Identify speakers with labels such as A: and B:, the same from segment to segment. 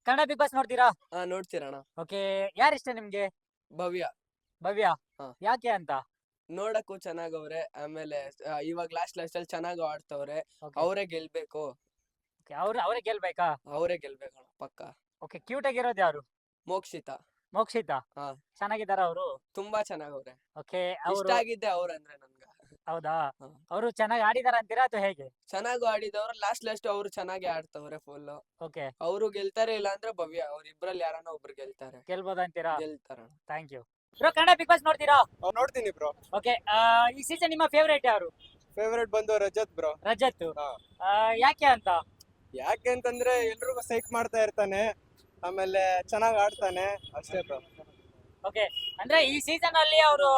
A: Kannada Bigg Boss ನೋಡ್ತೀರಾ?
B: ನೋಡ್ತೀರಣ್ಣ.
A: Okay. ಯಾರು ಇಷ್ಟ ನಿಮ್ಗೆ?
B: ಭವ್ಯ.
A: ಭವ್ಯ.
B: ಹಾ.
A: ಯಾಕೆ ಅಂತ?
B: ನೋಡಕ್ಕೂ ಚೆನ್ನಾಗವ್ರೆ. ಆಮೇಲೆ ಇವಾಗ ಲಾಸ್ಟ್ ಅಲ್ಲಿ ಚೆನ್ನಾಗ್ ಆಡ್ತವ್ರೆ.
A: ಓಕೆ.
B: ಅವರೇ ಗೆಲ್ಬೇಕು.
A: ಅವರೇ ಗೆಲ್ಬೇಕಾ?
B: ಅವರೇ ಗೆಲ್ಬೇಕಣ್ಣ ಪಕ್ಕ.
A: ಓಕೆ. ಕ್ಯೂಟ್ ಆಗಿರೋದು ಯಾರು?
B: ಮೋಕ್ಷಿತಾ.
A: ಮೋಕ್ಷಿತಾ.
B: ಹಾ.
A: ಚೆನ್ನಾಗಿದಾರ ಅವರು?
B: ತುಂಬಾ ಚೆನ್ನಾಗವ್ರೆ.
A: ಓಕೆ.
B: ಇಷ್ಟ
A: ಅವರು
B: ಆಗಿದ್ದೆ ಅವ್ರಂದ್ರೆ ನನ್ಗ.
A: ಹೌದಾ?
B: ಹಾ.
A: ಅವರು ಚೆನ್ನಾಗಿ ಆಡಿದಾರ ಅಂತೀರಾ ಅಥವಾ ಹೇಗೆ?
B: ಚೆನ್ನಾಗೂ ಆಡಿದವ್ರು. ಲಾಸ್ಟ್ ಅವ್ರು ಚೆನ್ನಾಗಿ ಆಡ್ತವ್ರೆ ಫುಲ್.
A: ಓಕೆ.
B: ಅವರು ಗೆಲ್ತಾರೆ, ಇಲ್ಲ ಅಂದ್ರೆ ಭವ್ಯ. ಅವ್ರಿಬ್ರಲ್ಲಿ ಯಾರನ್ನ ಒಬ್ರು ಗೆಲ್ತಾರೆ.
A: ಗೆಲ್ಬೋದ ಅಂತೀರಾ?
B: ಗೆಲ್ತಾರಣ್ಣ.
A: Thank you. Bro, Kannada Bigg Boss ನೋಡ್ತೀರಾ?
C: ನೋಡ್ತೀನಿ ಬ್ರೋ.
A: ಓಕೆ. ಈ ಸೀಸನ್ ನಿಮ್ಮ ಫೇವರೇಟ್ ಯಾರು?
C: ಫೇವರೇಟ್ ಬಂದು ರಜತ್ ಬ್ರೋ.
A: ರಜತ್.
C: ಹಾ.
A: ಯಾಕೆ ಅಂತ?
C: ಯಾಕೆ ಅಂತಂದ್ರೆ ಎಲ್ರಿಗೂ ಸೈಕ್ ಮಾಡ್ತಾ ಇರ್ತಾನೆ, ಆಮೇಲೆ ಚೆನ್ನಾಗ್ ಆಡ್ತಾನೆ, ಅಷ್ಟೇ ಬ್ರೋ.
A: ಓಕೆ. ಅಂದ್ರೆ ಈ ಸೀಸನ್ ಅಲ್ಲಿ ಅವರು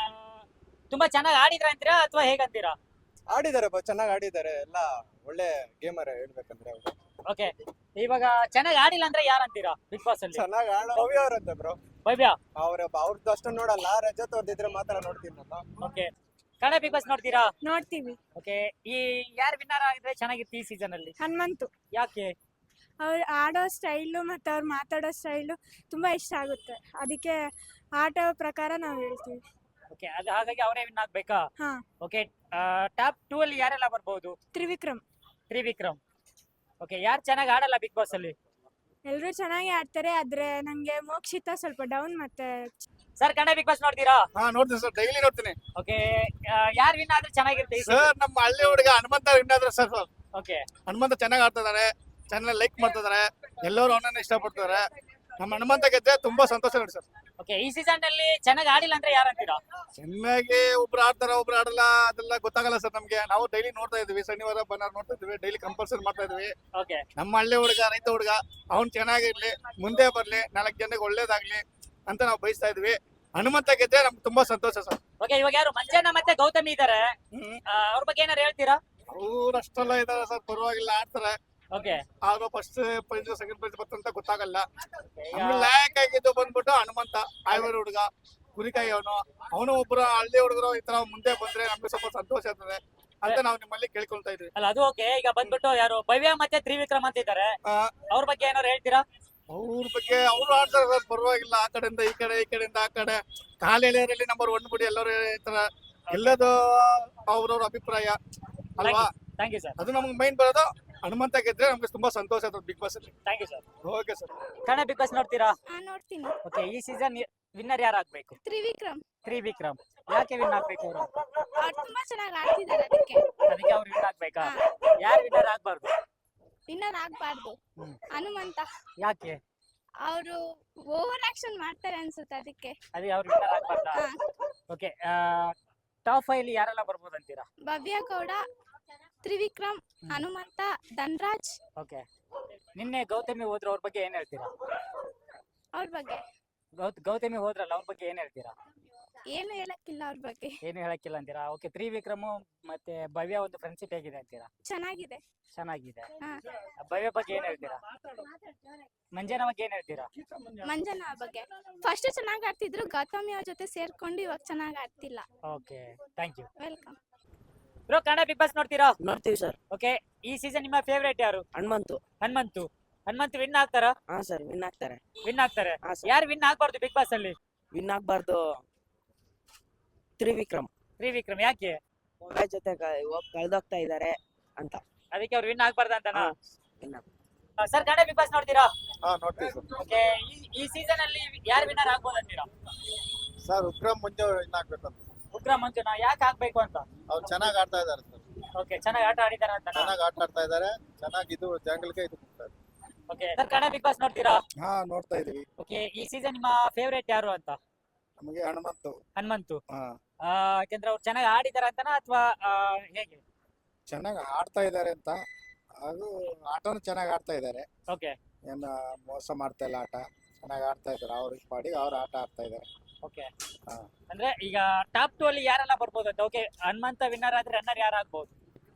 A: ತುಂಬಾ ಚೆನ್ನಾಗಿ ಆಡಿದ್ರ ಅಂತೀರಾ ಅಥವಾ ಹೇಗಂತೀರಾ?
C: ಆಡಿದ್ದಾರೆ ಬ್ರೋ, ಚೆನ್ನಾಗ್ ಆಡಿದ್ದಾರೆ. ಎಲ್ಲ ಒಳ್ಳೆ ಗೇಮರ್ ಹೇಳ್ಬೇಕಂದ್ರೆ ಅವ್ರು.
A: ಓಕೆ. ಇವಾಗ ಚೆನ್ನಾಗಿ ಆಡಿಲ್ಲ ಅಂದ್ರೆ ಯಾರಂತೀರಾ ಬಿಗ್ ಬಾಸ್ ಅಲ್ಲಿ?
C: ಚೆನ್ನಾಗ್ ಭವ್ಯ ಅವ್ರಂತೆ ಬ್ರೋ.
A: ಭವ್ಯ.
C: ಅವ್ರದ್ದು ಅಷ್ಟು ನೋಡಲ್ಲ, ರಜತ್ ಅವ್ರದ್ದಿದ್ರೆ ಮಾತ್ರ ನೋಡ್ತೀನಿ ನಾನು.
A: ಓಕೆ. ಕನ್ನಡ ಬಿಗ್ ಬಾಸ್ ನೋಡ್ತೀರಾ?
D: ನೋಡ್ತೀವಿ.
A: ಓಕೆ. ಈ ಯಾರು ವಿನ್ನರ್ ಆಗಿದ್ರೆ ಚೆನ್ನಾಗಿತ್ತು ಈ ಸೀಸನ್ ಅಲ್ಲಿ?
D: ಹನುಮಂತು.
A: ಯಾಕೆ?
D: ಅವ್ರು ಆಡೋ ಸ್ಟೈಲು ಮತ್ತು ಅವ್ರು ಮಾತಾಡೋ ಸ್ಟೈಲು ತುಂಬ ಇಷ್ಟ ಆಗುತ್ತೆ. ಅದಕ್ಕೆ ಆಟ ಪ್ರಕಾರ ನಾವು ಹೇಳ್ತೀವಿ.
A: ಓಕೆ. ಅದು ಹಾಗಾಗಿ ಅವರೇ ವಿನ್ ಆಗ್ಬೇಕಾ?
D: ಹಾ.
A: ಓಕೆ. ಟಾಪ್ 2 ಅಲ್ಲಿ ಯಾರೆಲ್ಲ ಬರ್ಬೋದು?
D: ತ್ರಿವಿಕ್ರಮ್.
A: ತ್ರಿವಿಕ್ರಮ್. ಓಕೆ. ಯಾರು ಚೆನ್ನಾಗಿ ಆಡಲ್ಲ ಬಿಗ್ ಬಾಸ್ ಅಲ್ಲಿ?
D: ಎಲ್ಲರೂ ಚೆನ್ನಾಗಿ ಆಡ್ತಾರೆ, ಆದ್ರೆ ನಂಗೆ ಮೋಕ್ಷಿತ ಸ್ವಲ್ಪ ಡೌನ್. ಮತ್ತೆ
A: ಸರ್, ಕನ್ನಡ ಬಿಗ್ ಬಾಸ್ ನೋಡ್ತೀರಾ?
E: ನೋಡ್ತೀನಿ ಸರ್, ಡೈಲಿ ನೋಡ್ತೀನಿ
A: ಓಕೆ. ಯಾರು ವಿನ್ ಆದ್ರೆ ಚೆನ್ನಾಗಿರುತ್ತೆ ಈ
E: ಸರ್. ನಮ್ಮ ಹಳ್ಳಿ ಹುಡುಗ ಹನುಮಂತ ವಿನ್ನಾದ್ರೆ ಸರ್.
A: ಓಕೆ.
E: ಹನುಮಂತ ಚೆನ್ನಾಗಿ ಆಡ್ತಿದ್ದಾರೆ, ಚೆನ್ನಾಗಿ ಲೈಕ್ ಮಾಡ್ತಿದ್ದಾರೆ, ಎಲ್ಲರೂ ಅವನನ್ನ ಇಷ್ಟಪಡ್ತಾರೆ. ನಮ್ಮ ಹನುಮಂತ ಗೆದ್ದೆ ತುಂಬಾ ಸಂತೋಷ ನೋಡಿ ಸರ್.
A: ಓಕೆ. ಈ ಸೀಸನ್ ಅಲ್ಲಿ ಚೆನ್ನಾಗಿ ಆಡಿಲ್ಲ ಅಂದ್ರೆ ಯಾರಂತೀರಾ?
E: ಚೆನ್ನಾಗಿ ಒಬ್ರು ಆಡ್ತಾರ, ಒಬ್ರು ಆಡಲ್ಲ, ಅದೆಲ್ಲ ಗೊತ್ತಾಗಲ್ಲ ಸರ್ ನಮ್ಗೆ. ನಾವು ಡೈಲಿ ನೋಡ್ತಾ ಇದೀವಿ, ಶನಿವಾರ ಭಾನುವಾರ ನೋಡ್ತಾ ಇದೀವಿ, ಡೈಲಿ ಕಂಪಲ್ಸರಿ ಮಾಡ್ತಾ ಇದೀವಿ.
A: ಓಕೆ.
E: ನಮ್ಮ ಹಳ್ಳಿ ಹುಡುಗ, ರೈತ ಹುಡುಗ, ಅವ್ನ್ ಚೆನ್ನಾಗಿರ್ಲಿ, ಮುಂದೆ ಬರ್ಲಿ, 4 ಜನಕ್ಕೆ ಒಳ್ಳೇದಾಗ್ಲಿ ಅಂತ ನಾವು ಬಯಸ್ತಾ ಇದೀವಿ. ಹನುಮಂತ ಗೆದ್ದೆ ನಮ್ಗೆ ತುಂಬಾ ಸಂತೋಷ ಸರ್.
A: ಓಕೆ. ಇವಾಗ ಯಾರು ಮಂಜಣ್ಣ ಮತ್ತೆ ಗೌತಮಿ ಇದಾರೆ, ಅವ್ರ ಬಗ್ಗೆ ಏನಾರು ಹೇಳ್ತೀರಾ?
E: ಅವ್ರು ಅಷ್ಟೆಲ್ಲ ಇದಾರೆ ಸರ್, ಪರವಾಗಿಲ್ಲ, ಆಡ್ತಾರೆ.
A: ಓಕೆ.
E: ಆದ್ರೂ ಫಸ್ಟ್ ಪ್ರೈಸ್ ಸೆಕೆಂಡ್ ಪ್ರೈಸ್ ಬರ್ತಂತ ಗೊತ್ತಾಗಲ್ಲ. ಲಾಯಕ್ ಆಗಿದ್ದು ಬಂದ್ಬಿಟ್ಟು ಹನುಮಂತ, ಆಯ್ವರಿ ಹುಡುಗ, ಕುರಿಕಾಯಿ ಅವನು ಒಬ್ರು ಹಳ್ಳಿ ಹುಡುಗರು ಈ ತರ ಮುಂದೆ ಬಂದ್ರೆ ನಮ್ಗೆ ಸ್ವಲ್ಪ ಸಂತೋಷ ಆಗ್ತದೆ ಅಂತ ನಾವು ನಿಮ್ಮಲ್ಲಿ ಕೇಳ್ಕೊಳ್ತಾ ಇದ್ವಿ.
A: ಅಲ್ಲ, ಅದು ಓಕೆ. ಈಗ ಬಂದ್ಬಿಟ್ಟು ಯಾರು ಭವ್ಯ ಮತ್ತೆ ತ್ರಿವಿಕ್ರಮ್ ಅಂತ ಇದ್ದಾರೆ, ಅವ್ರ ಬಗ್ಗೆ ಏನಾರು ಹೇಳ್ತೀರಾ?
E: ಅವ್ರ ಬಗ್ಗೆ ಅವ್ರು ಆಡ್ತಾರೆ ಸರ್, ಪರವಾಗಿಲ್ಲ. ಆ ಕಡೆಯಿಂದ ಈ ಕಡೆ, ಈ ಕಡೆಯಿಂದ ಆ ಕಡೆ, ಕಾಲೆಳೆಯರಲ್ಲಿ ನಂಬರ್ 1 ಬಿಡಿ ಎಲ್ಲರೂ ಹೇಳ್ತಾರ. ಎಲ್ಲದು ಅವ್ರವ್ರ ಅಭಿಪ್ರಾಯ ಅಲ್ವಾ.
A: Thank you sir.
E: ಅದು ನಮ್ಗೆ ಮೈನ್ ಬರೋದು. ಹನುಮಂತ ಗೆದ್ರೆ ನಮ್ಗೆ ತುಂಬಾ ಸಂತೋಷ ಆಗ್ತದೆ ಬಿಗ್ ಬಾಸ್ ಅಲ್ಲಿ.
A: Thank you sir.
E: Okay sir.
A: Kannada Bigg Boss ನೋಡ್ತೀರಾ?
D: ನೋಡ್ತೀನಿ.
A: ಓಕೆ. ಈ ಸೀಸನ್ ವಿನ್ನರ್ ಯಾರು ಆಗ್ಬೇಕು?
D: ತ್ರಿವಿಕ್ರಮ್.
A: ತ್ರಿವಿಕ್ರಮ್. ಯಾಕೆ ವಿನ್ ಆಗ್ಬೇಕು ಅವರು?
D: ಅವ್ರು ತುಂಬಾ ಚೆನ್ನಾಗಿ ಆಡ್ತಿದ್ದಾರೆ, ಅದಕ್ಕೆ
A: ಅವ್ರು ವಿನ್ ಆಗ್ಬೇಕಾ? ಯಾರು ವಿನ್ನರ್ ಆಗ್ಬಾರ್ದು?
D: ವಿನ್ನರ್ ಆಗ್ಬಾರ್ದು. ಹನುಮಂತ.
A: ಯಾಕೆ?
D: ಅವರು ಓವರ್ ಆಕ್ಷನ್ ಮಾಡ್ತಾರೆ ಅನ್ಸುತ್ತೆ, ಅದಕ್ಕೆ.
A: ಅದೇ ಅವ್ರು ವಿನ್ನರ್ ಆಗ್ಬಾರ್ದಾ? ಓಕೆ. ಟಾಪ್ 5 ಅಲ್ಲಿ ಯಾರೆಲ್ಲ ಬರ್ಬೋದು ಅಂತೀರಾ?
D: ಭವ್ಯ ಗೌಡ, ತ್ರಿವಿಕ್ರಮ್, ಹನುಮಂತ, ಧನ್ರಾಜ್.
A: ಓಕೆ. ನಿನ್ನೆ ಗೌತಮಿ ಹೋದ್ರು, ಅವ್ರ ಬಗ್ಗೆ ಏನ್ ಹೇಳ್ತೀರಾ?
D: ಅವ್ರ ಬಗ್ಗೆ
A: ಗೌತಮಿ ಹೋದ್ರಲ್ಲ, ಅವ್ರ ಬಗ್ಗೆ ಏನ್ ಹೇಳ್ತೀರಾ?
D: ಏನು ಹೇಳಕ್ಕಿಲ್ಲ, ಅವ್ರ ಬಗ್ಗೆ
A: ಏನು ಹೇಳಕ್ಕಿಲ್ಲ ಅಂತೀರಾ? ಓಕೆ. ತ್ರಿವಿಕ್ರಮ್ ಮತ್ತೆ ಭವ್ಯ ಒಂದು ಫ್ರೆಂಡ್ಶಿಪ್ ಹೇಗಿದೆ ಅಂತೀರಾ?
D: ಚೆನ್ನಾಗಿದೆ.
A: ಚೆನ್ನಾಗಿದೆ.
D: ಹಾ.
A: ಭವ್ಯ ಬಗ್ಗೆ ಏನ್ ಹೇಳ್ತೀರಾ? ಮಂಜನ ಬಗ್ಗೆ ಏನ್ ಹೇಳ್ತೀರಾ?
D: ಮಂಜನ ಬಗ್ಗೆ ಫಸ್ಟ್ ಚೆನ್ನಾಗಿ ಆಡ್ತಿದ್ರು, ಗೌತಮಿ ಅವ್ರ ಜೊತೆ ಸೇರ್ಕೊಂಡು ಇವಾಗ ಚೆನ್ನಾಗಿ ಆಡ್ತಿಲ್ಲ.
A: Okay. Thank you.
D: Welcome.
A: Bro, Kannada Bigg Boss ನೋಡ್ತೀರಾ?
F: ನೋಡ್ತೀವಿ ಸರ್.
A: ಓಕೆ. ಈ ಸೀಸನ್ ನಿಮ್ಮ ಫೇವರೇಟ್ ಯಾರು?
F: ಹನುಮಂತು.
A: ಹನುಮಂತು ವಿನ್ ಆಗ್ತಾರಾ?
F: ಹಾ ಸರ್, ವಿನ್ ಆಗ್ತಾರೆ.
A: ವಿನ್ ಆಗ್ತಾರೆ.
F: ಹಾ ಸರ್.
A: ಯಾರು ವಿನ್ ಆಗ್ಬಾರ್ದು ಬಿಗ್ ಬಾಸ್ ಅಲ್ಲಿ?
F: ವಿನ್ ಆಗ್ಬಾರ್ದು ತ್ರಿವಿಕ್ರಮ್.
A: ತ್ರಿವಿಕ್ರಮ್. ಯಾಕೆ?
F: ಮೊಬೈಲ್ ಜೊತೆ ಕಳ್ದೋಗ್ತಾ ಇದಾರೆ ಅಂತ.
A: ಅದಕ್ಕೆ ಅವ್ರು ವಿನ್ ಆಗ್ಬಾರ್ದು ಅಂತನಾ?
F: win ಆಗ್-
A: ಸರ್, ಕನ್ನಡ ಬಿಗ್ ಬಾಸ್ ನೋಡ್ತೀರಾ?
C: ನೋಡ್ತೀವಿ ಸರ್.
A: ಓಕೆ. ಈ ಸೀಸನ್ ಅಲ್ಲಿ ಯಾರು ವಿನ್ನರ್ ಆಗ್ಬೋದು ಅಂತೀರಾ?
C: ಸರ್, ಉಗ್ರಂ ಮುಂಜೆ ಆಗ್ಬೇಕಂತ.
A: ಉಗ್ರ ಮಂಜುನಾ? ಯಾಕೆ ಆಗ್ಬೇಕು ಅಂತ?
C: ಅವ್ರು ಚೆನ್ನಾಗಿ ಆಡ್ತಾ ಇದಾರೆ ಸರ್.
A: ಓಕೆ. ಚೆನ್ನಾಗಿ ಆಟ ಆಡಿದಾರ ಅಂತ?
C: ಚೆನ್ನಾಗಿ ಆಟ ಆಡ್ತಾ ಇದಾರೆ. ಚೆನ್ನಾಗಿ ಇದು ಜಂಗಲ್ಗೆ ಇದು ಕೊಡ್ತಾರೆ.
A: Okay. Sir, Kannada Bigg Boss ನೋಡ್ತೀರಾ?
C: ನೋಡ್ತಾ ಇದೀವಿ.
A: ಓಕೆ. ಈ ಸೀಸನ್ ನಿಮ್ಮ ಫೇವರೇಟ್ ಯಾರು ಅಂತ?
C: ನಮಗೆ
A: ಹನುಮಂತು.
C: ಹಾ,
A: ಯಾಕಂದ್ರೆ ಅವ್ರು ಚೆನ್ನಾಗಿ ಆಡಿದಾರ ಅಂತನಾ ಅಥವಾ ಹೇಗೆ?
C: ಚೆನ್ನಾಗಿ ಆಡ್ತಾ ಇದಾರೆ ಅಂತ. ಹಾಗೂ ಆಟನು ಚೆನ್ನಾಗಿ ಆಡ್ತಾ ಇದಾರೆ.
A: ಓಕೆ.
C: ಏನು ಮೋಸ ಮಾಡ್ತಾ ಇಲ್ಲ, ಆಟ ಚೆನ್ನಾಗಿ ಆಡ್ತಾ ಇದಾರೆ. ಅವ್ರ ಪಾಡಿಗೆ ಅವ್ರು ಆಟ ಆಡ್ತಾ ಇದಾರೆ.
A: ಓಕೆ.
C: ಹಾ.
A: ಅಂದ್ರೆ ಈಗ ಟಾಪ್ 2 ಅಲ್ಲಿ ಯಾರೆಲ್ಲ ಬರ್ಬೋದು ಅಂತ? ಓಕೆ. ಹನುಮಂತ ವಿನ್ನರ್ ಆದ್ರೆ ರನ್ನರ್ ಯಾರು ಆಗ್ಬೋದು?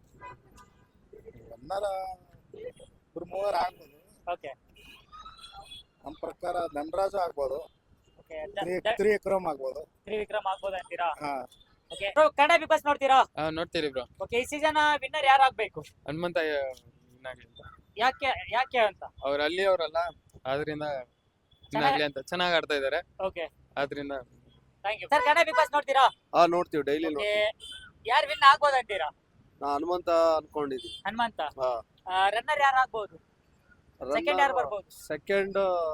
C: ರನ್ನರ್ 3 ಆಗ್ಬೋದು.
A: ಓಕೆ.
C: ನಮ್ಮ ಪ್ರಕಾರ ಧನರಾಜು ಆಗ್ಬೋದು,
A: ಓಕೆ.
C: ತ್ರಿವಿಕ್ರಮ್ ಆಗ್ಬೋದು.
A: ತ್ರಿವಿಕ್ರಮ್ ಆಗ್ಬೋದು ಅಂತೀರಾ?
C: ಹಾ.
A: Okay. Bro, Kannada Bigg Boss ನೋಡ್ತೀರಾ?
G: ನೋಡ್ತೀರಿ ಬ್ರೋ.
A: ಓಕೆ. ಈ ಸೀಸನ್ ವಿನ್ನರ್ ಯಾರು ಆಗ್ಬೇಕು?
G: ಹನುಮಂತ
A: ಯಾಕೆ ಅಂತ?
G: ಅವ್ರ ಅಲ್ಲಿ ಅವರಲ್ಲ, ಆದ್ರಿಂದ ಇನ್ನಾಗ್ಲಿ ಅಂತ ಚೆನ್ನಾಗಿ ಆಡ್ತಾ ಇದಾರೆ
A: ಓಕೆ
G: ಆದ್ರಿಂದ
A: thank you sir. Kannada Bigg Boss ನೋಡ್ತೀರಾ?
H: ನೋಡ್ತೀವಿ ಡೈಲಿ
A: ಓಕೆ, ಯಾರು ವಿನ್ ಆಗ್ಬೋದು ಅಂತೀರಾ?
H: ನಾ ಹನುಮಂತ ಅನ್ಕೊಂಡಿದ್ದೀನಿ.
A: ಹನುಮಂತ.
H: ಹಾ.
A: ರನ್ನರ್ ಯಾರು ಆಗ್ಬೋದು? ಸೆಕೆಂಡ್ ಯಾರು ಬರ್ಬೋದು?
H: ಸೆಕೆಂಡ್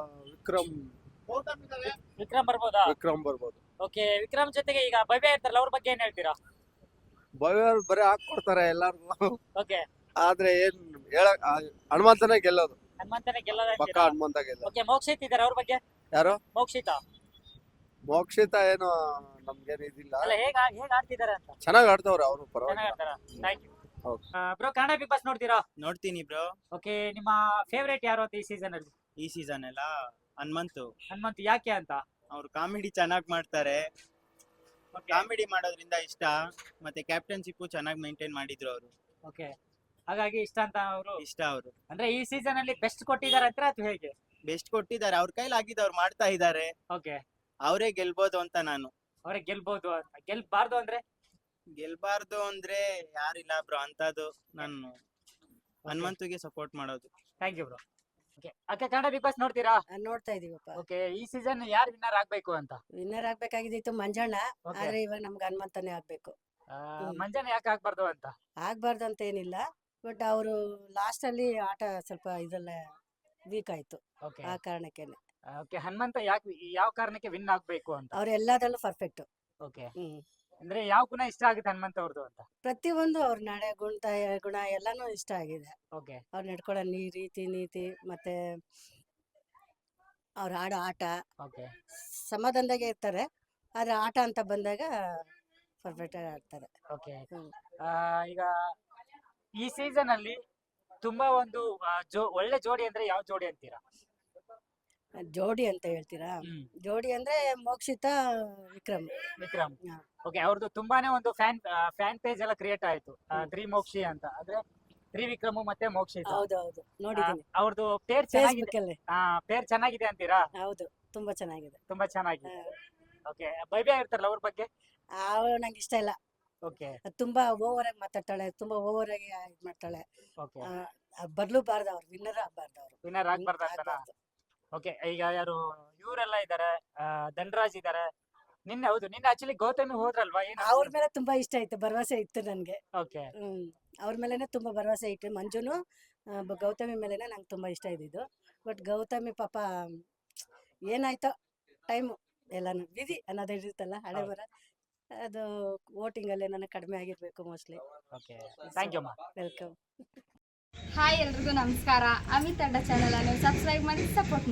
A: ವಿಕ್ರಮ್ ಬರ್ಬೋದಾ?
H: ವಿಕ್ರಮ್ ಬರ್ಬೋದು.
A: ಓಕೆ, ವಿಕ್ರಮ್ ಜೊತೆಗೆ ಈಗ ಭವ್ಯ ಇರ್ತಾರಲ್ಲ, ಅವ್ರ ಬಗ್ಗೆ ಏನ್ ಹೇಳ್ತೀರಾ?
H: ಭವ್ಯ ಬರೀ ಹಾಕೊಡ್ತಾರೆ ಎಲ್ಲಾರ್ಗು.
A: ಓಕೆ,
H: ಆದ್ರೆ ಏನ್ ಹೇಳಕ್ ಹನುಮಂತನೇ ಗೆಲ್ಲೋದು.
A: ಹನುಮಂತನೇ ಗೆಲ್ಲೋದ
H: ಪಕ್ಕ
A: ಅಂತೀರಾ?
H: ಹನುಮಂತ ಗೆಲ್ಲೋದು.
A: ಓಕೆ, ಮೋಕ್ಷಿತ್ ಇದಾರೆ, ಅವ್ರ ಬಗ್ಗೆ?
H: ಯಾರು?
A: ಮೋಕ್ಷಿತಾ
H: ಮೋಕ್ಷಿತ ಏನು ನಮ್ಗೇನು ಇದಿಲ್ಲ.
A: ಅಲ್ಲ, ಹೇಗ್ ಆಡ್ತಿದಾರೆ ಅಂತ?
H: ಚೆನ್ನಾಗ್ ಆಡ್ತವ್ರೆ ಅವರು,
A: ಚೆನ್ನಾಗ್
H: ಪರವಾಗಿಲ್ಲ.
A: ಆಡ್ತಾರ? Thank you
H: Okay.
A: Bro. Kannada Bigg Boss ನೋಡ್ತೀರಾ?
I: ನೋಡ್ತೀನಿ ಬ್ರೋ.
A: ಓಕೆ, ನಿಮ್ಮ ಫೇವರೇಟ್ ಯಾರು ಅಂತ ಈ ಸೀಸನ್ ಅಲ್ಲಿ?
I: ಈ ಸೀಸನ್ ಎಲ್ಲ ಹನುಮಂತು.
A: ಹನುಮಂತ್ ಯಾಕೆ ಅಂತ?
I: ಅವ್ರು ಕಾಮಿಡಿ ಚೆನ್ನಾಗಿ ಮಾಡ್ತಾರೆ. ಕಾಮಿಡಿ ಮಾಡೋದ್ರಿಂದ ಇಷ್ಟ. ಮತ್ತೆ ಕ್ಯಾಪ್ಟನ್ಶಿಪ್ ಚೆನ್ನಾಗಿ ಮೇಂಟೈನ್ ಮಾಡಿದ್ರು ಅವರು.
A: ಓಕೆ, ಹಾಗಾಗಿ ಇಷ್ಟ ಅಂತ ಅವರು?
I: ಇಷ್ಟ ಅವರು.
A: ಅಂದ್ರೆ ಈ ಸೀಸನ್ ಅಲ್ಲಿ ಬೆಸ್ಟ್ ಕೊಟ್ಟಿದ್ದಾರೆ ಅಂತ ಅಥವಾ ಹೇಗೆ?
I: ಬೆಸ್ಟ್ ಕೊಟ್ಟಿದ್ದಾರೆ, ಅವ್ರ ಕೈಲಿ ಆಗಿದ್ದು ಅವ್ರು ಮಾಡ್ತಾ ಇದ್ದಾರೆ.
A: ಓಕೆ,
I: ಅವರೇ ಗೆಲ್ಬೋದು ಅಂತ ನಾನು.
A: ಅವ್ರೆ ಗೆಲ್ಬಹುದು ಅಂತ. ಗೆಲ್ಬಾರ್ದು ಅಂದ್ರೆ?
I: ಗೆಲ್ಬಾರ್ದು ಅಂದ್ರೆ ಯಾರಿಲ್ಲ ಬ್ರೋ ಅಂತದ್ದು. ನಾನು ಹನುಮಂತುಗೆ ಸಪೋರ್ಟ್ ಮಾಡೋದು.
A: Thank you bro. ಓಕೆ, ಅಕ್ಕ ಕನ್ನಡ ಬಿಗ್ ಬಾಸ್ ನೋಡ್ತೀರಾ?
J: ನೋಡ್ತಾ ಇದೀವಪ್ಪ.
A: ಓಕೆ, ಈ ಸೀಸನ್ ಯಾರು ವಿನ್ನರ್ ಆಗ್ಬೇಕು ಅಂತ?
J: ವಿನ್ನರ್ ಆಗ್ಬೇಕಾಗಿದ್ದಿತ್ತು ಮಂಜಣ್ಣ,
A: ಓಕೆ,
J: ಆದ್ರೆ ಇವಾಗ ನಮ್ಗೆ ಹನುಮಂತನೇ ಆಗ್ಬೇಕು.
A: ಮಂಜಾನೆ ಯಾಕೆ ಆಗ್ಬಾರ್ದು ಅಂತ?
J: ಆಗ್ಬಾರ್ದು ಅಂತ ಏನಿಲ್ಲ, ಬಟ್ ಅವರು ಲಾಸ್ಟ್ ಅಲ್ಲಿ ಆಟ ಸ್ವಲ್ಪ ಇದೆಲ್ಲ ವೀಕ್ ಆಯ್ತು,
A: ಓಕೆ,
J: ಆ ಕಾರಣಕ್ಕೇನೆ.
A: ಓಕೆ, ಹನುಮಂತ ಯಾಕೆ ಯಾವ ಕಾರಣಕ್ಕೆ ವಿನ್ ಆಗ್ಬೇಕು ಅಂತ?
J: ಅವ್ರು ಎಲ್ಲದರಲ್ಲೂ ಪರ್ಫೆಕ್ಟ್.
A: ಓಕೆ,
J: ಹ್ಮ್,
A: ಅಂದ್ರೆ ಯಾವ ಗುಣ ಇಷ್ಟ ಆಗುತ್ತೆ ಹನುಮಂತ ಅವ್ರದ್ದು ಅಂತ?
J: ಪ್ರತಿಯೊಂದು ಅವ್ರ ನಡೆ ಗುಣ ಎಲ್ಲಾನು ಇಷ್ಟ ಆಗಿದೆ.
A: ಓಕೆ,
J: ಅವ್ರು ನಡ್ಕೊಳ್ಳೋ ರೀತಿ ನೀತಿ ಮತ್ತೆ ಅವ್ರ ಆಡೋ ಆಟ
A: ಓಕೆ,
J: ಸಮಾಧಾನದಾಗೆ ಇರ್ತಾರೆ, ಆದ್ರೆ ಆಟ ಅಂತ ಬಂದಾಗ ಪರ್ಫೆಕ್ಟ್ ಆಗಿ ಆಡ್ತಾರೆ.
A: ಓಕೆ.
J: ಹ್ಮ್.
A: ಈಗ ಈ ಸೀಸನ್ ಅಲ್ಲಿ ತುಂಬಾ ಒಂದು ಒಳ್ಳೆ ಜೋಡಿ ಅಂದ್ರೆ ಯಾವ ಜೋಡಿ ಅಂತೀರಾ?
J: ಜೋಡಿ ಅಂತ ಹೇಳ್ತೀರಾ? ಜೋಡಿ ಅಂದ್ರೆ ಮೋಕ್ಷಿತ ವಿಕ್ರಮ್.
A: ವಿಕ್ರಮ್.
J: ಹಾ.
A: ಓಕೆ, ಅವ್ರದ್ದು ತುಂಬಾನೇ ಒಂದು ಫ್ಯಾನ್ ಪೇಜ್ ಎಲ್ಲ ಕ್ರಿಯೇಟ್ ಆಯ್ತು, ತ್ರಿಮೋಕ್ಷಿ ಅಂತ. ಅಂದ್ರೆ ತ್ರಿವಿಕ್ರಮ್ ಮತ್ತೆ ಮೋಕ್ಷಿತ.
J: ಹೌದೌದು, ನೋಡಿದೀನಿ.
A: ಅವ್ರದ್ದು ಪೇರ್ ಚೆನ್ನಾಗಿದೆ.
J: ಫೇಸ್ಬುಕ್ ಅಲ್ಲಿ.
A: ಪೇರ್ ಚೆನ್ನಾಗಿದೆ ಅಂತೀರಾ?
J: ಹೌದು, ತುಂಬಾ ಚೆನ್ನಾಗಿದೆ.
A: ತುಂಬಾ ಚೆನ್ನಾಗಿದೆ. ಓಕೆ, ಭವ್ಯ ಇರ್ತಾರಲ್ಲ, ಅವ್ರ ಬಗ್ಗೆ?
J: ಅವಳು ನಂಗೆ ಇಷ್ಟ ಇಲ್ಲ.
A: ಓಕೆ,
J: ತುಂಬಾ ಓವರ್ ಆಗಿ ಮಾತಾಡ್ತಾಳೆ, ತುಂಬಾ ಓವರ್ ಆಗಿ ಇದ್ ಮಾಡ್ತಾಳೆ.
A: ಓಕೆ,
J: ಬರ್ಲೂಬಾರ್ದು, ಅವ್ರು ವಿನ್ನರ್ ಆಗ್ಬಾರ್ದು. ಅವ್ರು
A: ವಿನ್ನರ್ ಆಗ್ಬಾರ್ದು ಅಂತನಾ? ಓಕೆ, ಈಗ ಯಾರು ಇವರೆಲ್ಲ ಇದಾರೆ, ಧನರಾಜ್ ಇದಾರೆ. ನಿನ್ನೆ ಆಕ್ಚುಲಿ ಗೌತಮಿ ಹೋದ್ರಲ್ವಾ? ಏನು
J: ಅವ್ರ ಮೇಲೆ ತುಂಬಾ ಇಷ್ಟ ಆಯ್ತು, ಭರವಸೆ ಇತ್ತು ನನ್ಗೆ.
A: ಓಕೆ,
J: ಅವ್ರ ಮೇಲೆನೆ ತುಂಬಾ ಭರವಸೆ ಇಟ್ಟು, ಮಂಜುನು ಗೌತಮಿ ಮೇಲೆನೆ ನಂಗೆ ತುಂಬಾ ಇಷ್ಟ ಇದ್ದಿದ್ದು. ಬಟ್ ಗೌತಮಿ ಪಾಪ ಏನಾಯ್ತೋ ಟೈಮು ಎಲ್ಲಾನು ವಿಧಿ ಅನ್ನೋದು ಇರುತ್ತಲ್ಲ, ಹಣೆ ಬರ, ಅದು ವೋಟಿಂಗ್ ಅಲ್ಲಿ ನನಗೆ ಕಡಿಮೆ ಆಗಿರ್ಬೇಕು ಮೋಸ್ಟ್ಲಿ.
A: ಓಕೆ, ಥ್ಯಾಂಕ್ ಯು ಅಮ್ಮ.
J: ವೆಲ್ಕಮ್.
K: ಹಾಯ್ ಎಲ್ರಿಗೂ ನಮಸ್ಕಾರ. ಅಮಿತ್ ಅಡ್ಡ ಚಾನಲ್ ಅನ್ನು ಸಬ್ಸ್ಕ್ರೈಬ್ ಮಾಡಿ ಸಪೋರ್ಟ್ ಮಾಡಿ.